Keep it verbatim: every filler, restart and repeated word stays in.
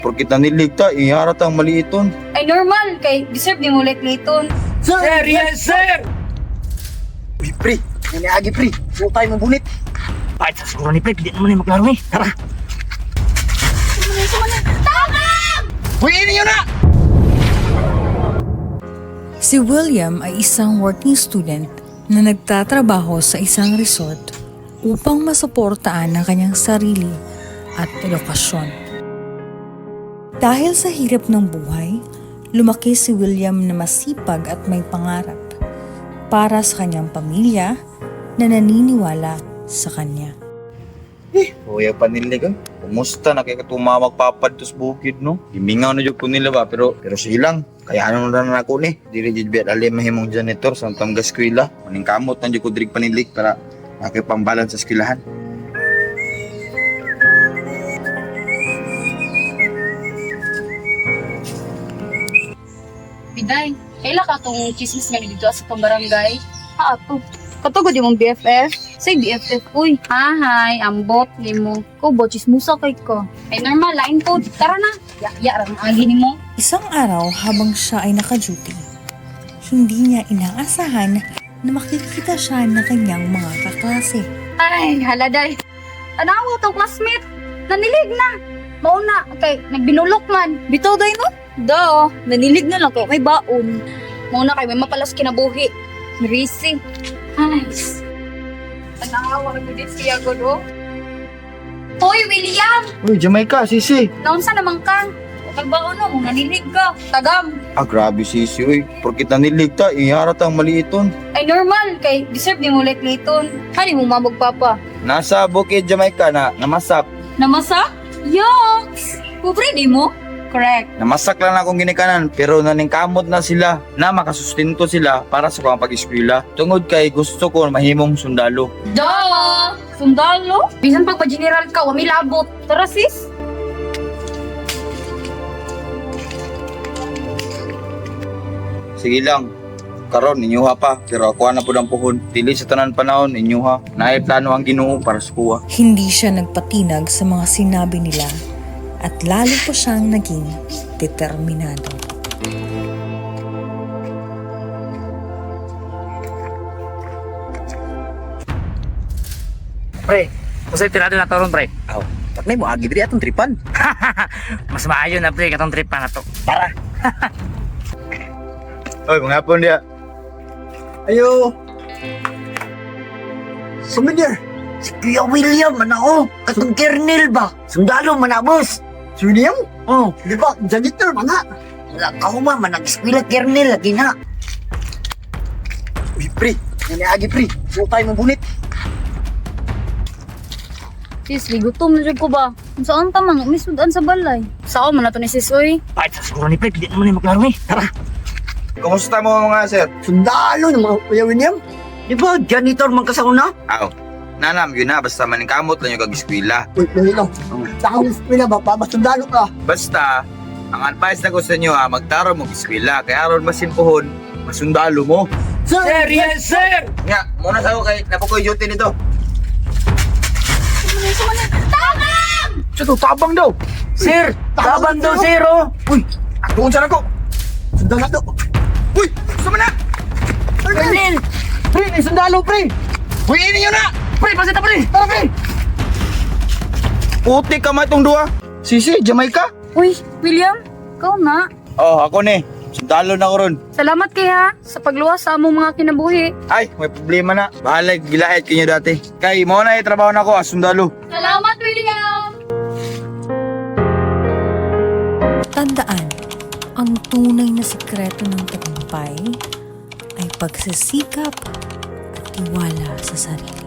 Porkit naniligta, iharat ang maliiton. Ay normal, kay deserve ni mo like layton. Sir! Yes, sir! Uy, pre, naniagi pre. Huwag tayo mabunit. Kahit sa siguro ni Pre, hindi naman yung maglaro eh. Tara! Uy, ini yun na! Si William ay isang working student na nagtatrabaho sa isang resort upang masuportaan ang kanyang sarili at edukasyon. Dahil sa hirap ng buhay, lumaki si William na masipag at may pangarap para sa kanyang pamilya na naniniwala sa kanya. Eh, huwag pa nila ka. Kumusta na kaya tumawag papad tos bukid, no? Himingaw na dyan ko nila ba, pero pero silang. Kaya ano na na ako ni. Dili dyan biya alim mahimong janitor sa tamga eskwela. Maning kamot na dyan ko dirig panilik para makipambalan sa eskwelahan. Biday, kaila ka tong chismis nga dito sa pambarangay? Ha, ato. Katugod yung B F F? Say B F F, uy. Hahay, ambot ni mo. Ko, bo, chismusa kay ko. Ay normal, lain po. Tara na. Ya-ya, rang agi ni mo. Isang araw habang siya ay naka-duty, hindi niya inaasahan na makikita siya ng kanyang mga kaklase. Ay, haladay. Tanawa tong classmate. Nanilig na. Mauna, kay nagbinulok man. Bitaw day no? Do, nanilig na lang kay may baon. Mauna kay may mapalas kinabuhi. Risi. Ay, tanawa ko din siya ko do. Hoy, William! Uy, Jamaica, sisi. Naunsa naman ka? Nagbaon no, nanilig ka. Tagam. Ah, grabe sisi, uy. Porkit naniligta, iharat ang maliiton. Ay normal, kay deserve ni mo like layton. Hani mo mabog papa. Nasa bukid Jamaica na namasak. Namasak? Yucks! Pobre di mo? Correct. Namasak lang akong ginikanan pero naningkamot na sila na makasustinto sila para sa kong pag-eskwela. Tungod kay gusto ko mahimong sundalo. Duh! Sundalo? Bisan pag pa-general ka, wami labot. Tara sis. Sige lang. Karon inyuha pa pero ako na pud ang puhon. Dili sa tanan panahon inyuha. Naay plano ang Ginoo para sa kuha. Hindi siya nagpatinag sa mga sinabi nila at lalo pa siyang naging determinado. Pre, usay tirado na to ron, Pre. Aw, taknay mo agi diri atong tripan. Mas maayo na, Pre, katong tripan na to. Tara. Oy, mga hapon dia. Ayo. Souvenir. Si Kuya William, manao. Katong kernel ba? Sundalo, manabos. Si William? Oh, di ba? Janitor, mga. Wala ka huma, manag-eskwela kernel, lagi na. Uy, pre. Naniagi, pre. Huwag tayo mabunit. Sis, ligutom na dyan ko ba? Kung saan ta man, umisudan sa balay. Saan man na to ni sis, uy? Kahit sa siguro ni Pre, hindi naman yung maglaro eh. Tara! Kumusta mo mga sir? Sundalo ng mga Kuya William. Di ba? Janitor man ka sa una? Aw. Nanam yun na basta maningkamot lang yung kag-eskwela. Uy, dahil lang. Sa akong eskwela ba? Pa, sundalo ka. Basta ang advice na ko sa inyo ha, magtaro mo eskwela kaya aron masimpuhon, masundalo mo. Sir! Sir, yes, sir! Nga, muna sa ako kay napukoy duty nito. Siya to, tabang daw. Sir! Taban daw, sir, oh! Uy, Doon siya na ko. sundalo daw. Uy! Sama na! Kernel! Pre, may sundalo, pre! Uy, ini yun na! Pre, pasita, Pre! Tara, pre! Puti ka ma itong duha. Sisi, Jamaica? Uy, William, ikaw na. Oh, ako ni. Sundalo na ko ron. Salamat kay ha, sa pagluwas sa among mga kinabuhi. Ay, may problema na. Bahala, gilahit kinyo dati. Kay, mo na trabaho na ko as sundalo. Salamat, William! Tandaan, ang tunay na sikreto ng tagumpay ay pagsisikap at tiwala sa sarili.